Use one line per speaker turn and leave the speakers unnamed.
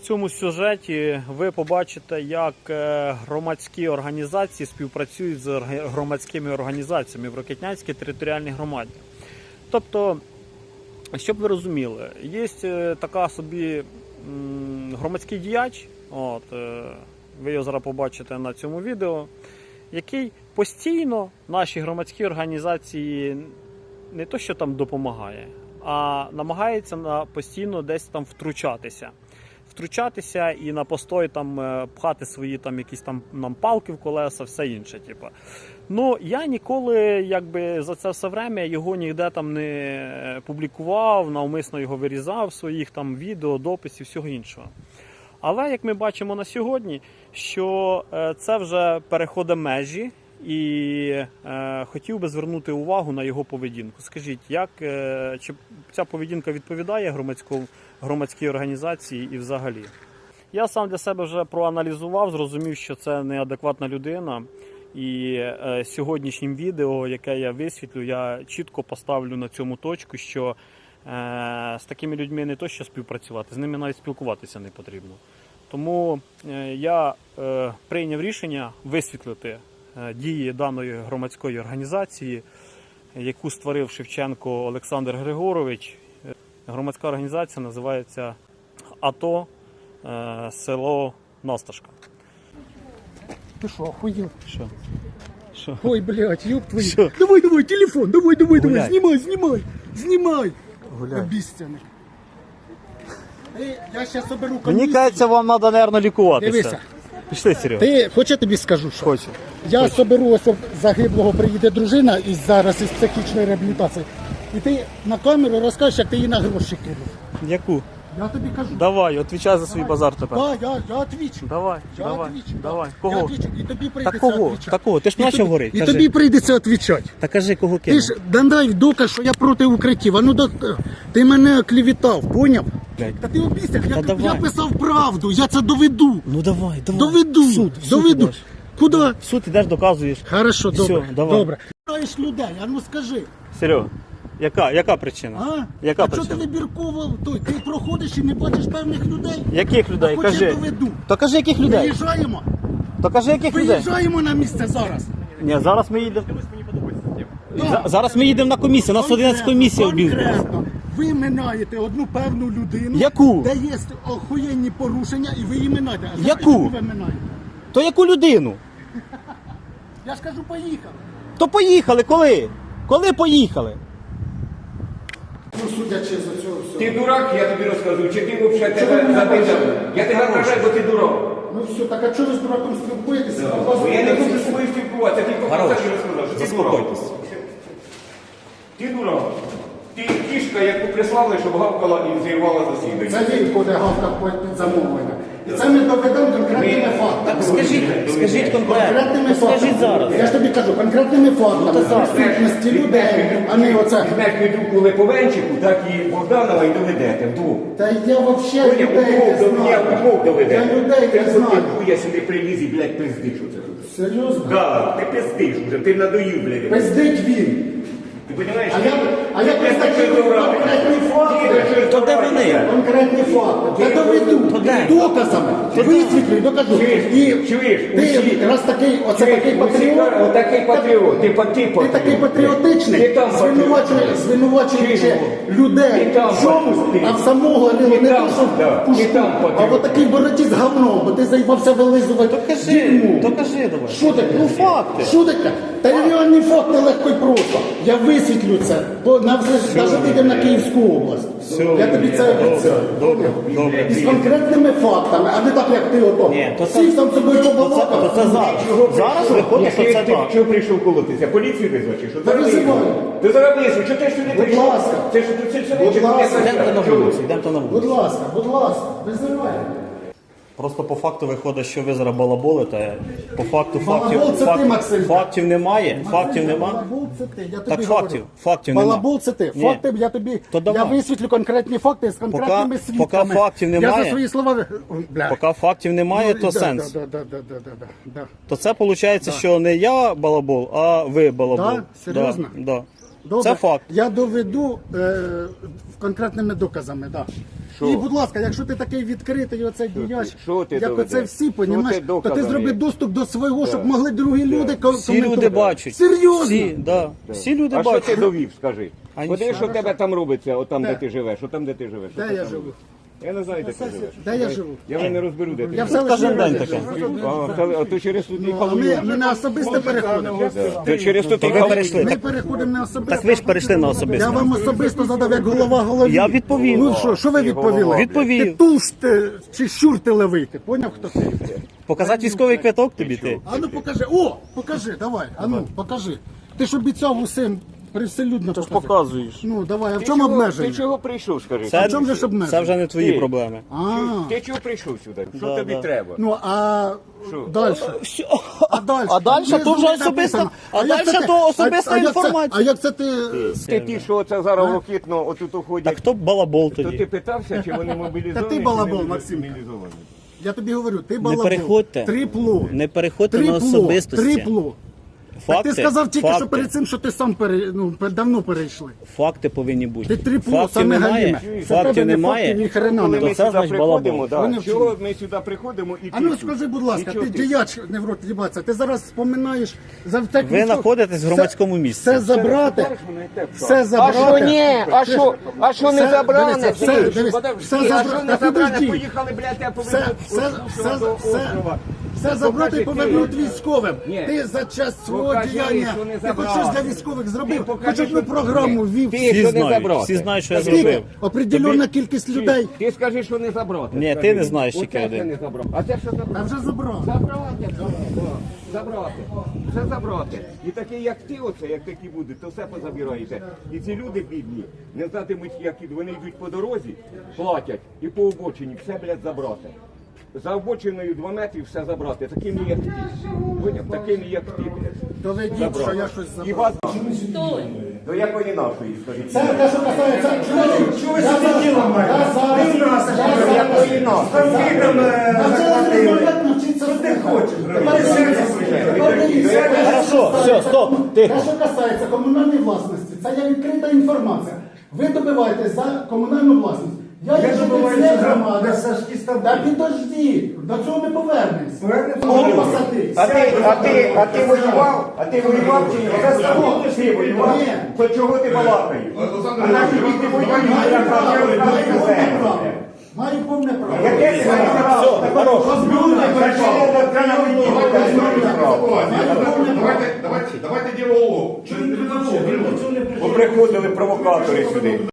цьому сюжеті ви побачите, як громадські організації співпрацюють з громадськими організаціями в Рокитнянській територіальній громаді. Тобто, щоб ви розуміли, є така собі громадський діяч, ви його зараз побачите на цьому відео, який постійно нашій громадській організації не то що там допомагає, а намагається постійно десь там втручатися і на постой там пхати свої там якісь там нам палки в колеса, все інше. Ну, я ніколи якби за це все время його ніде там не публікував, навмисно його вирізав, своїх там відео, дописів, всього іншого. Але, як ми бачимо на сьогодні, що це вже переходить межі, і хотів би звернути увагу на його поведінку. Скажіть, чи ця поведінка відповідає громадській організації і взагалі? Я сам для себе вже проаналізував, зрозумів, що це неадекватна людина. І сьогоднішнім відео, яке я висвітлю, я чітко поставлю на цьому точку, що з такими людьми не то що співпрацювати, з ними навіть спілкуватися не потрібно. Тому я прийняв рішення висвітлити дії даної громадської організації, яку створив Шевченко Олександр Григорович. Громадська організація називається АТО село Насташка.
Ты что, охуел?
Що?
Ой, блядь, ёб твою.
Что?
Давай, телефон, давай,
Гуляй.
снимай.
Гуляй.
Обіцяний. Я сейчас соберу
Мені
комісію.
кажеться, вам треба, мабуть, лікуватися.
Дивися.
Пішли, Серега.
Ти, хоч я тобі скажу, що?
Хочу.
Я соберу, ось загиблого приїде дружина із психічної реабілітації. І ти на камеру розкажеш, як ти її на гроші кинув.
Яку?
Я тобі кажу.
Давай, відповідай за свій базар тепер.
Так, я отвічу.
Давай.
Я
Кого?
отвічу. І тобі
Та
прийдеться
кого?
відвічати.
Та кого? Ти ж почав говорити.
І
Кажи.
тобі прийдеться відвічати.
Та кажи, кого
Ти
кинув.
ж дай доказ, що я проти укриттів. А ну ти мене клівітав, поняв?
Блядь.
Та ти обіцяв, я
давай.
писав правду, я це доведу.
Ну давай.
Доведу. Доведу.
Ідеш.
Куди?
В суд ідеш, доказуєш.
Хорошо,
Всё,
добре.
давай.
Добре. Знаєш людей, а ну скажи.
Серега, яка причина?
А?
Яка
А що
причина?
ти вибірково? Ти проходиш і не бачиш певних людей?
Яких людей?
Хоч я
Кажи.
доведу.
То кажи, яких людей?
Виїжджаємо.
То кажи, яких людей?
Виїжджаємо на місце зараз.
Ні, зараз ми їдемо. Зараз ми їдемо на комісію. У нас 11 комісія об'їздила.
Конкретно. Ви минаєте одну певну людину,
Яку?
де є охуєнні порушення, і ви її минаєте. А знаєте,
Яку?
яку ви минаєте?
То яку людину?
Я ж кажу, поїхали.
То поїхали, коли? Коли поїхали?
Ну, судячи з цього всього.
Ти дурак, я тобі розказую, чи ти взагалі тебе запитав? Я тебе вражаю, бо ти дурак.
Ну все, так а чого ви з дураком спілкуєтеся?
Бо я не хочу з тобою спілкуватися, ти тільки
Хорош.
так і розказав, що ти дурак.
Заспокойтесь.
Ти дурак. Ти кішка, яку прислали, щоб гавкала і зірвала засідання.
Це він буде гавкав під замовлення. І це ми доведемо конкретними фактами.
Скажіть конкретно.
Конкретними
Скажіть
фактами.
зараз.
Я ж тобі кажу, конкретними фактами. Присутності людей, а не оце.
Візьмеш під руку Липовенчику, так і Богданова і доведете вдвох.
Та я взагалі людей не знаю.
Вдвох доведете.
Я людей не знаю.
Я сюди привіз і, блядь, пиздиш оце тут.
Серйозно?
Да, ти пиздиш вже, ти надоїв, блядь.
Пиздить він.
Ти розумієш?
А я представляю конкретні факти.
То де вони?
Конкретні факти. Я доведу. Доказами. Висвітлю і докажу.
Чуєш?
Ти раз такий, оце такий патріот.
Отакий патріот. Ти
Ти такий патріотичний, звинувачуючи людей в чомусь, а в самого не то, що пушку, а в отакій бороті з говном, бо ти заїбався вилизувати дерьмо.
То кажи давай.
Що таке?
Ну факти.
Що таке? Та реальні факти легко і просто. Я висвітлю це, бо навіть вийдемо на Київську область. Я тобі це обіцяю.
Добре.
І з конкретними фактами, а не так, як ти ото.
Ні, то
Всіх там собою
То
побалакав.
це зараз. Зараз виходить, що це
Ти
так.
чого прийшов колотися? Поліцію визвати? Що?
Та визиваю.
Ти зараз визвав, що ти сюди прийшов?
ласка.
Це що тут сюди?
Будь
чи
ласка.
ти
Йдемте на
Чого?
вулицю, йдемте на вулицю.
Будь ласка, визивай.
Просто по факту виходить, що ви зараз балаболите. По факту
Балабол це ти, Максим.
фактів немає. Фактів нема.
Балабол це ти, я тобі
Так
говорю.
фактів нема.
Балабол це ти.
Ні.
Факти я тобі,
То
я
давай.
висвітлю конкретні факти з конкретними свідками.
поки фактів
Я
немає.
за свої слова... Бля.
Поки фактів немає,
Ну,
то
да,
сенс.
Да.
То це виходить, що не я балабол, а ви балабол.
Да? Серйозно?
Да.
Добре.
Це факт.
Я доведу конкретними доказами, так. І, будь ласка, якщо ти такий відкритий, оцей діяч,
що ти
як
доведеш?
оце всі,
Що
понімаєш,
ти
то ти
доказами?
зроби доступ до свого, щоб могли другі люди
Всі люди бачать.
Серйозно?
Всі, да. Всі люди
А що ти
бачать.
довів, скажи?
А
Подивись,
нічого.
що в тебе там робиться, отам,
Де?
де ти живеш, отам, де ти живеш.
Де
Що ти
я
там
живу?
робиш? Я не знаю, де ти живеш.
Де я живу?
Я вже не розберу, де ти
Я в
живеш.
селищі
Кожен день
раді
таке.
живу.
А то через тут і
А ми не особисто переходимо.
То через тут і
ви перейшли.
Ми переходимо не особисто.
Так ви ж перейшли на
Я
особисто.
вам особисто задав як голова голові.
Я відповів.
Ну що ви відповіли?
Відповів.
Ти тулш чи щур ти левий, ти поняв, хто ти?
Показати військовий квиток тобі ти.
А ну покажи, покажи, давай, покажи. Ти ж обіцяв усім привселюдно показати.
Показуєш.
Ну давай, а в
Ти
чому
чого-
обмеження?
Ти чого прийшов, скажи?
в чому же ж обмеження?
Це вже не твої
Ти.
проблеми.
А,
Ти чого прийшов сюди? Що
Да,
тобі
да.
треба?
ну а далі? А далі?
А далі то вже
Внизу
особиста,
написано.
а
як це
далі
ти-
то особиста
як це-
інформація.
А як це ти...
Ти ті, що це зараз ракетно отут
Так
уходять,
хто б балабол
то ти
тоді?
питався, чи вони мобілізовані?
Та ти
чи
балабол,
не
Максим.
мобілізовані?
Я тобі говорю, ти
Не
балабол.
переходьте.
Трипло.
Не переходьте на
Трипло.
особистості.
Трипло.
Факти,
Ти сказав тільки, що
факти.
перед цим, що ти сам давно перейшли.
Факти повинні бути.
Ти трипло,
Фактів
саме
немає.
галіме. Це тебе
Фактів
не
немає.
факти, ні хрена
Коли
не.
ми
це
сюди
значить
приходимо,
балабол.
Вони
да,
вчили.
чого ми сюди приходимо і
А ну
тут?
скажи, будь ласка,
Нічого
ти діяч не в рот їбаться, ти зараз споминаєш за так.
Ви знаходитесь в громадському місці.
Все забрати, все
А
забрати.
що ні? А що не
Все,
забране?
дивися, все, дивися, все
А що
забрати.
не
Та
забране?
підожди.
Поїхали, блядь, я
Все,
повинен
все забрати і повернути
ти.
військовим.
Ні.
Ти за час свого
Покажи,
діяння,
що не
ти хоч
забрати.
щось для військових зробив,
Покажи,
хоч одну
що-
програму ввів.
Ти
Всі
що не
знають,
забрати?
всі знають, що я
Скільки?
зробив.
Определенна кількість людей.
Ти скажи, що не забрати.
Ні,
Скажи.
ти не знаєш,
Оце
тільки
це
один.
не забрав. А це що
А
забрати?
вже забрав.
Забрати, забрати. Все забрати. І такі, як ти, оце, як такі будуть, то все позабираєте. І ці люди бідні, не знатимуть, як ідуть. Вони йдуть по дорозі, платять і по обочині все, блядь, забрати. За обочиною 2 метри все забрати. Такими, як ти. Поняв? Такими, як ти, блядь.
Доведіть, що я щось
І
забрав.
вас... До якої нашої, скажіть?
Це те, що касається. Чого ви собі ділом маєте? Я зараз.
До якої нашої?
Навчиться ти хочеш.
Хорошо, все, стоп,
Те,
тихо.
що касається комунальної власності, це є відкрита інформація. Ви добиваєтесь за комунальну власність. Я житель цієї громади. Та підожди, до цього ми повернемось.
А ти воював? А ти воював чи ні? Ти воював?
Ні.
То чого ти балакаєш? А наші діти воюють, як
Маю повне право.
Яке ти маєш право?
Давайте діалогу.
Поприходили провокатори сюди.